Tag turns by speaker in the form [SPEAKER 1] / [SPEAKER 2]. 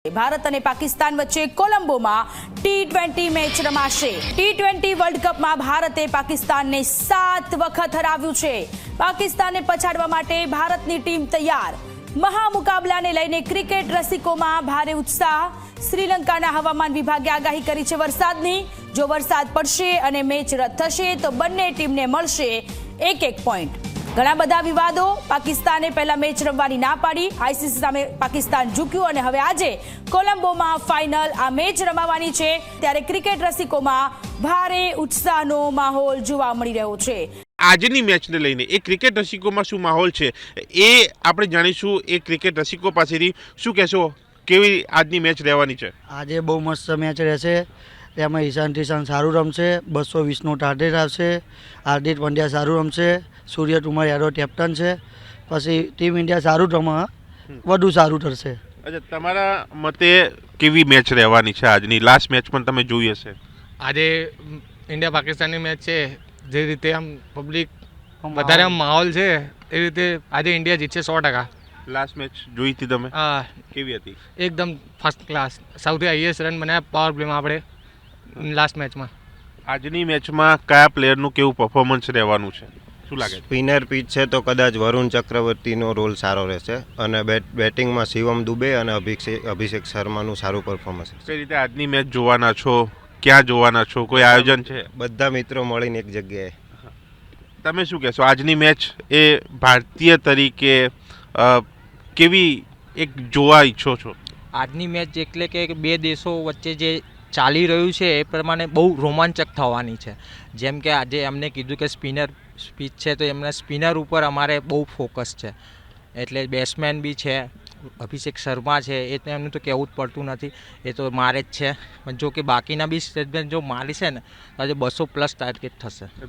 [SPEAKER 1] ભારત અને પાકિસ્તાન વચ્ચે કોલંબોમાં T20 match રમાશે। T20 વર્લ્ડ કપમાં ભારતે પાકિસ્તાનને 7 વખત હરાવ્યું છે। પાકિસ્તાનને પછાડવા માટે ભારતની ટીમ તૈયાર। મહામુકાબલાને લઈને ક્રિકેટ રસિકોમાં ભારે ઉત્સાહ। શ્રીલંકાના હવામાન વિભાગે આગાહી કરી છે વરસાદની। જો વરસાદ પડશે અને મેચ રદ થશે તો બંને ટીમને મળશે 1-1 પોઈન્ટ। ઘણા બધા વિવાદો। પાકિસ્તાને પહેલા મેચ રમવાની ના પાડી, આઈસીસી સામે પાકિસ્તાન ઝૂક્યું અને હવે આજે કોલંબોમાં ફાઇનલ આ મેચ રમાવાની છે। ત્યારે ક્રિકેટ રસિકોમાં ભારે ઉત્સાહનો માહોલ જોવા મળી રહ્યો છે।
[SPEAKER 2] આજની મેચને લઈને એ ક્રિકેટ રસિકોમાં શું માહોલ છે એ આપણે જાણીશું। એ ક્રિકેટ રસિકો પાસેથી શું કહેશો, કેવી આજની મેચ રહેવાની છે?
[SPEAKER 3] આજે બહુ મસ્ત મેચ રહેશે। તેમાં ઈશાન સારું રમશે, 220નો ટાર્ગેટ આવશે, હાર્દિક પંડ્યા સારું રમશે, સૂર્ય કુમાર યાદવ કેપ્ટન છે। પછી ટીમ ઇન્ડિયા સારું રમે, વધુ સારું થશે।
[SPEAKER 2] અચ્છા, તમારા મતે કેવી મેચ રહેવાની છે આજની? લાસ્ટ મેચ પણ તમે જોઈ હશે।
[SPEAKER 4] આજે ઇન્ડિયા પાકિસ્તાનની મેચ છે, જે રીતે આમ પબ્લિક વધારે આમ માહોલ છે એ રીતે આજે ઇન્ડિયા જીતશે 100%।
[SPEAKER 2] લાસ્ટ મેચ જોઈ હતી તમે?
[SPEAKER 4] હા,
[SPEAKER 2] કેવી હતી?
[SPEAKER 4] એકદમ ફર્સ્ટ ક્લાસ, સૌથી હાઈએસ્ટ રન બનાવ્યા પાવર પ્લેમાં આપણે લાસ્ટ મેચમાં।
[SPEAKER 2] આજની મેચમાં કયા પ્લેયરનું કેવું પરફોર્મન્સ રહેવાનું છે, શું લાગે છે?
[SPEAKER 5] સ્પિનર પીચ છે તો કદાચ વરુણ ચક્રવર્તીનો રોલ સારો રહેશે અને બેટિંગમાં શિવમ દુબે અને અભિષેક શર્માનું સારું પરફોર્મન્સ।
[SPEAKER 2] કઈ રીતે આજની મેચ જોવાના છો, ક્યાં જોવાના છો, કોઈ આયોજન છે?
[SPEAKER 5] બધા મિત્રો મળીને એક જગ્યાએ।
[SPEAKER 2] તમે શું કહેશો, આજની મેચ એ ભારતીય તરીકે કેવી એક જોવા ઈચ્છો છો?
[SPEAKER 6] આજની મેચ એટલે કે બે દેશો વચ્ચે જે ચાલી રહ્યું છે એ પ્રમાણે બહુ રોમાંચક થવાની છે। જેમ કે આજે એમને કીધું કે સ્પિનર સ્પીચ છે તો એમના સ્પિનર ઉપર અમારે બહુ ફોકસ છે, એટલે બેટ્સમેન બી છે, અભિષેક શર્મા છે, એ તો એમનું તો કહેવું જ પડતું નથી, એ તો મારે જ છે। પણ જો કે બાકીના બી સ્ટેટમેન્ટ જો મારી છે ને તો આજે 200+ ટાર્ગેટ થશે।